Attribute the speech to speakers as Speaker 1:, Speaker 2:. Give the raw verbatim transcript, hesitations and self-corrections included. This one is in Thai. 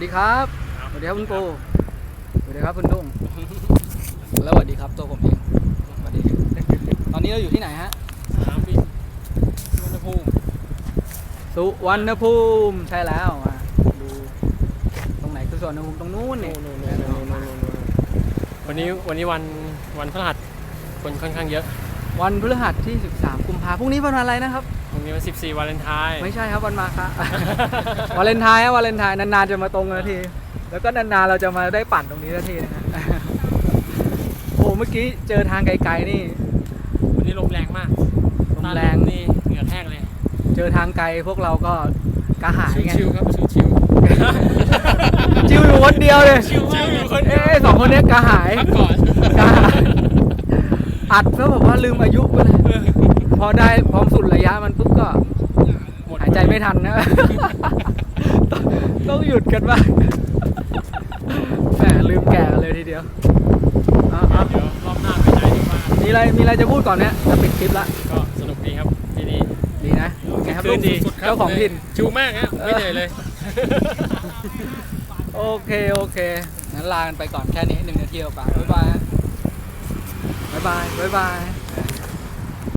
Speaker 1: ดีครับสวัสดีครับคุณปูสวัสดีครับคุณดุ้งแล้วสวัสดีครับตัวผมเองสวัสดีตอนนี้เราอยู่ที่ไหนฮะ
Speaker 2: สนามบินสุวรรณภูมิ
Speaker 1: สุวรรณภูมิใช่แล้วมาดูตรงไหนคือสุวรรณภูมิตรงนู้นนี่
Speaker 2: วันนี้วันนี้วันวันพฤหัสคนค่อนข้างเยอะ
Speaker 1: วันพฤหัสที่สิบสามกุมภาพันธ์พรุ่งนี้วันอะไรนะครับ
Speaker 2: พรุ่งนี้วันสิบสี่วาเลนไทน์
Speaker 1: ไม่ใช่ครับวันมาคะวาเลนไทน์วาเลนไทน์นานๆจะมาตรงกันทีแล้วก็นานๆเราจะมาได้ปั่นตรงนี้ทีนะฮะโอ้เมื่อกี้เจอทางไกลๆนี่
Speaker 2: วันนี้ลมแรงมาก
Speaker 1: ลมแรง
Speaker 2: นี่เหงื่อแห้งเลย
Speaker 1: เจอทางไกลพวกเราก็กระหายไง
Speaker 2: ชิวๆครับชิว
Speaker 1: ๆชิวอยู่คนเดียวเลย
Speaker 2: ชิวอยู่คนเดียว
Speaker 1: เอ้สองคนนี้กระหาย
Speaker 2: พักก่อน
Speaker 1: กระหายอัดเพื่อแบบว่าลืมอายุไปเลยพอได้พร้อมสุดระยะมันปุ๊บก็หายใจไม่ทันนะต้องหยุดกันบ้างแหมลืมแก่กันเลยทีเดียว
Speaker 2: เดี๋ยวรอบหน้าไปไหนดีกว่า
Speaker 1: มีอะไรมีอะไรจะพูดก่อนเนี่ยจะปิดคลิปละ
Speaker 2: ก็สนุกดีครับที่นี่
Speaker 1: ดีนะไงครับ
Speaker 2: ลุง
Speaker 1: เจ้าของถิ่น
Speaker 2: ชิวมากฮะไม่เหนื่อยเลย
Speaker 1: โอเคโอเคงั้นลากันไปก่อนแค่นี้หนึ่งนาทีกว่าบ๊ายบายบ๊ายบายบ๊ายบาย